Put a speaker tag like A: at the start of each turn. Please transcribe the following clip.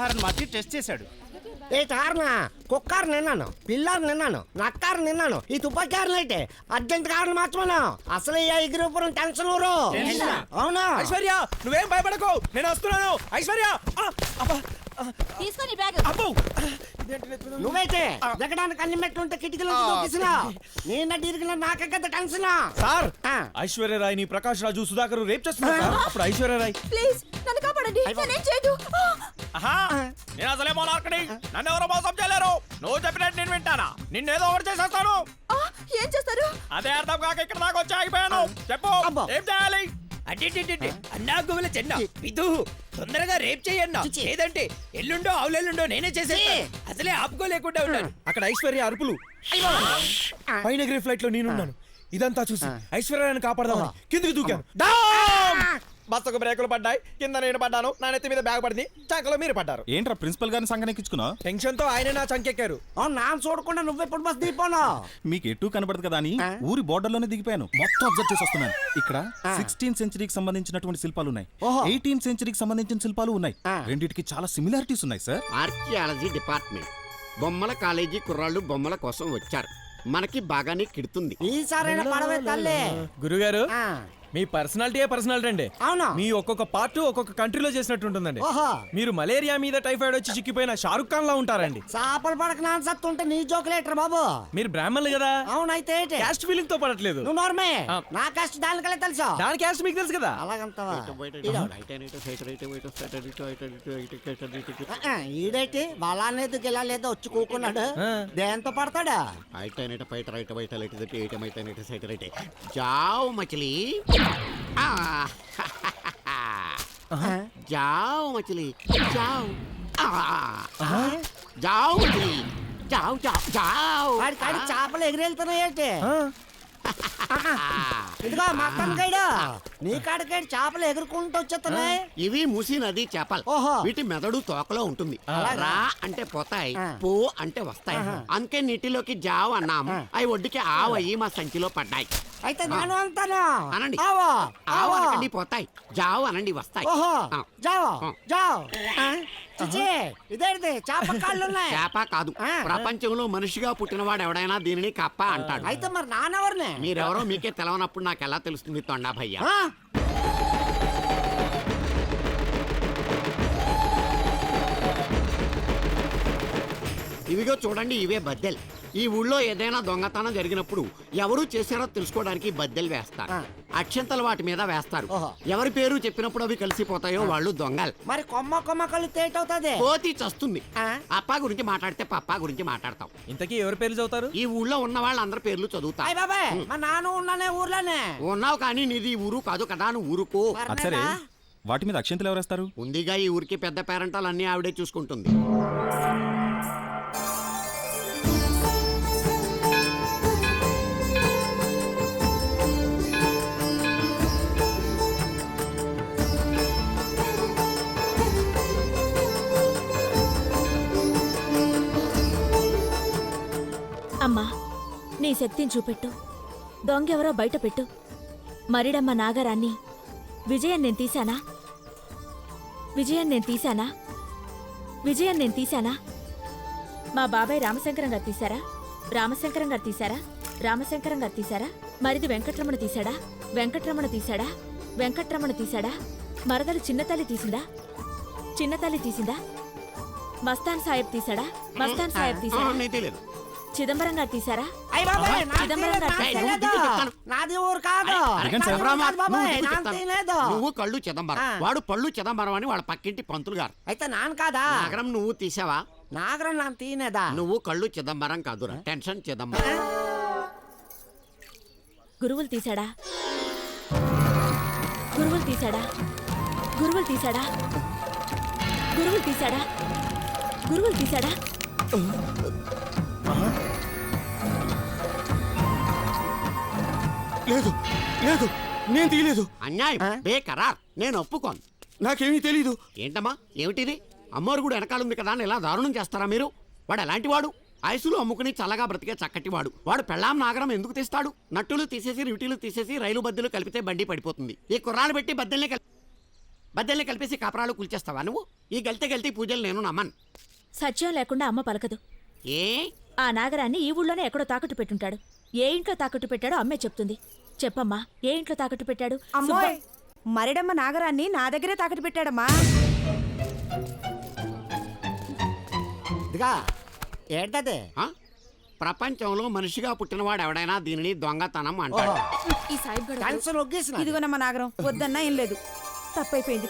A: ఆహారాన్ని మార్చి టెస్ట్ చేశాడు.
B: ఏ కారణ కుక్కారు నిన్నాను, పిల్లారు నిన్నాను, నక్కారు నిన్నాను, ఈ తుపాకారులు అయితే అర్జెంట్ కారణం మార్చమను. అసలు ఈ ఎగిరిపురం టెన్షన్ ఊరు. అవునా
C: ఐశ్వర్య, నువ్వేం భయపడకు, నేను వస్తున్నాను. ఐశ్వర్య
D: తీసుకొని బ్యాగ్.
B: నువ్వైతే దిగడానికి అన్ని మెట్లుంటే కిటికీలో దూకిసినా నిన్న ఇరిగిన నాకే కదా టెన్షన్.
C: సార్, ఐశ్వర్య రాయ్ ని ప్రకాష్ రాజు సుధాకర్ రేప్ చేస్తున్నారు సార్. అప్పుడు ఐశ్వర్య రాయ్
D: ప్లీజ్ నన్ను కాపాడండి, నేనేం చేయదు.
C: నేను అసలే మోనార్కని, నన్ను ఎవరో మోసం చేయలేరు. నువ్వు చెప్పినట్టు నేను వింటానా? నిన్నేదో ఒకటి చేసేస్తాను.
D: ఏం చేస్తారు?
C: అదే అర్థం కాక ఇక్కడ దాకా వచ్చి ఆగిపోయాను. చెప్పు, ఏం చేయాలి?
E: అన్నా గువల చెన్న విధు తొందరగా రేప్ చేయన్నా, లేదంటే ఎల్లుండో అవులెల్లుండో నేనే చేసేస్తాను. అసలే ఆపుకోలేకుండా ఉన్నాను.
C: అక్కడ ఐశ్వర్య అరుపులు, పైన ఎగిరే ఫ్లైట్ లో నేనున్నాను. ఇదంతా చూసి ఐశ్వర్యాన్ని కాపాడదామని కిందికి దూకాను. బస్సుకు బ్రేకులు పడ్డాయి, కింద నేను పడ్డాను, నా నెత్తి మీద బ్యాగ్ పడింది, చంకలో మీరు పడ్డారు.
A: ఏంట్రా ప్రిన్సిపల్ గారిని సంగనెక్కించుకున్నావు?
C: టెన్షన్ తో ఆయన నా చంకెక్కారు.
B: నా చూడకుండా నువ్వెప్పుడు బస్ దిగిపోను.
A: మీకు ఎటు కనబడదు కదా అని ఊరి బోర్డర్ లోనే దిగిపోయాను. మొత్తం అబ్జర్వ్ చేసి వస్తున్నాను. ఇక్కడ 16th సెంచరీకి సంబంధించినటువంటి శిల్పాలు ఉన్నాయి, 18th సెంచరీకి సంబంధించిన శిల్పాలు ఉన్నాయి. రెండిటికి చాలా సిమిలారిటీస్ ఉన్నాయి సార్.
F: ఆర్కియాలజీ డిపార్ట్మెంట్ బొమ్మల కాలేజీ కుర్రాళ్ళు బొమ్మల కోసం వచ్చారు. మనకి బాగానే కిడుతుంది.
B: ఈసారైనా పడవే తల్లి.
C: గురుగారు, మీ పర్సనాలిటీ అండి.
B: అవునా?
C: మీ ఒక్కొక్క పార్ట్ ఒక్కొక్క కంట్రీలో చేసినట్టు ఉంటుందండి. మీరు మలేరియా మీద టైఫాయిడ్ వచ్చి చిక్కిపోయిన షారుఖ్ ఖాన్ లా ఉంటారండి.
B: చేపలు పడక నాన్ సత్తుంటే నీ జోకులేటర్ బాబు.
C: మీరు బ్రాహ్మణులు కదా.
B: అవునైతే
C: క్యాస్ట్ ఫీలింగ్ తో పడట్లేదు.
B: నువ్వు నోర్మే, నా క్యాస్ట్ దానికలే తెలుసా?
C: దాని క్యాస్ట్ మీకు తెలుసు కదా.
B: అలాగంతవా? ఈడైతే బలానేది గెలాలేదో వచ్చి కూకున్నాడు. దేంతో పడతాడా?
F: జావ్ మచిలీ, जाओ मछली जाओ, जाओ मछली जाओ जाओ जाओ.
B: కాడి చేపలు ఎగిరెళ్తున్నాయేంటి? ఇదిగో మక్కన్ గైడు, నీ కాడికాడి చేపలు ఎగురుకుంటూ వచ్చేస్తున్నాయి.
F: ఇవి మూసి నది చేపలు. వీటి మెదడు తోకలో ఉంటుంది. రా అంటే పోతాయి, పో అంటే వస్తాయి. అందుకే నీటిలోకి జావ్ అన్నాము. అవి ఒడ్డుకి ఆవయ్యి మా సంచిలో పడ్డాయి.
B: అయితే నేను అంటాను
F: అనండి.
B: ఆవో
F: ఆవో అనండి, పోతాయి. జావ్ అనండి, వస్తాయి.
B: జావ్ జావ్. చిచి, ఇదేంటి చేప కాళ్ళు ఉన్నాయి?
F: చేప కాదు, ప్రపంచంలో మనిషిగా పుట్టినవాడు ఎవడైనా దీనిని కప్ప అంటాడు.
B: అయితే మరి నానెవరిని?
F: మీరెవరో మీకే తెలవనప్పుడు నాకు ఎలా తెలుస్తుంది తొండా భయ్యా? ఇవిగో చూడండి, ఇవే బద్దెలు. ఈ ఊళ్ళో ఏదైనా దొంగతనం జరిగినప్పుడు ఎవరు చేశారో తెలుసుకోవడానికి బద్దెలు వేస్తారు. అక్షంతలు వాటి మీద వేస్తారు. ఎవరి పేరు చెప్పినప్పుడు అవి కలిసిపోతాయో వాళ్ళు దొంగలు.
B: మరి కొమ్మ కొమ్మ కళ్ళు తేటవుతుంది,
F: కోతి చస్తుంది. అప్పా గురించి మాట్లాడితే పప్పా గురించి మాట్లాడతాం.
C: ఇంతకీ ఎవరి పేర్లు చదువుతారు?
F: ఈ ఊళ్ళో ఉన్న వాళ్ళందరి పేర్లు చదువుతా.
B: మా నాన్న ఉన్నానే ఊర్లోనే
F: ఉన్నావు, కానీ నీది ఊరు కాదు కదా, నువ్వు ఊరుకో.
A: సరే, వాటి మీద అక్షంతలు ఎవరేస్తారు?
F: ఉందిగా ఈ ఊరికి పెద్ద పేరెంటాలు అన్ని ఆవిడే చూసుకుంటుంది.
D: అమ్మా, నీ శక్తిని చూపెట్టు. దొంగెవరో బయట పెట్టు. మరిడమ్మ నాగరాన్ని విజయం నేను తీశానా? విజయం నేను తీశానా? విజయం నేను తీశానా? మా బాబాయ్ రామశంకరం గారు తీశారా? రామశంకరం గారు తీశారా? రామశంకరం గారు తీశారా? మరిది వెంకట్రమణ తీశాడా? వెంకట్రమణ తీశాడా? వెంకట్రమణ తీశాడా? మరదలు చిన్నతల్లి తీసిందా? చిన్నతల్లి తీసిందా? మస్తాన్ సాహెబ్ తీశాడా? మస్తాన్ సాహెబ్ తీశాడా? చిదంబరం గారు తీశారా?
B: నాది ఊరు కాదు.
F: నువ్వు కళ్ళు చిదంబరం, వాడు పళ్ళు చిదంబరం అని వాళ్ళ పక్కింటి పంతులు గారు.
B: అయితే నాన్న కాదా?
F: నాగరం నువ్వు తీసావా?
B: నాగరం నాన్న తీనేదా?
F: నువ్వు కళ్ళు చిదంబరం కాదురా, టెన్షన్ చిదంబరం.
D: గురువులు తీశాడా? గురువులు తీశాడా? గురువులు తీశాడా? గురువులు తీశాడా? గురువులు తీశాడా?
C: లేదు లేదు, నేను తీయలేదు.
F: అన్యాయం, బేకరార్. నేను ఒప్పుకోను.
C: నాకేమీ తెలీదు.
F: ఏంటమ్మా, ఏమిటిది? అమ్మోరు కూడా వెనకాలంది కదా అని ఇలా దారుణం చేస్తారా మీరు? వాడు ఎలాంటి వాడు? ఐసులు అమ్ముకుని చల్లగా బ్రతికే చక్కటివాడు. వాడు పెళ్ళాం నాగరం ఎందుకు తీస్తాడు? నట్టులు తీసేసి రిటీలు తీసేసి రైలు బద్దెలు కలిపితే బండి పడిపోతుంది. ఈ కుర్రాలు పెట్టి బద్దెల్ని బద్దెల్ని కలిపేసి కాపరాలు కూల్చేస్తావా నువ్వు? ఈ గల్తీ పూజలు నేను నమ్మను.
D: సత్యం లేకుండా అమ్మ పలకదు.
F: ఏ
D: ఆ నాగరాన్ని ఈ ఊళ్ళోనే ఎక్కడో తాకట్టు పెట్టుంటాడు. ఏ ఇంట్లో తాకట్టు పెట్టాడో అమ్మే చెప్తుంది. చెప్పమ్మా, ఏ ఇంట్లో తాకట్టు పెట్టాడు?
G: అమ్మోయ్, మరిడమ్మ నాగరాన్ని నా దగ్గరే తాకట్టు పెట్టాడమ్మా.
B: ఇదిగా ఏంటది?
F: ఆ? ప్రపంచంలో మనిషిగా పుట్టినవాడు ఎవడైనా దీనిని దొంగతనం అంటాడు.
G: ఈ సాయిబ్ గడు
B: టెన్షన్ ఒగ్గేసిన
G: ఇదిగోనమ్మ నాగరం, వద్దన్నా ఏం లేదు, తప్పైపోయింది.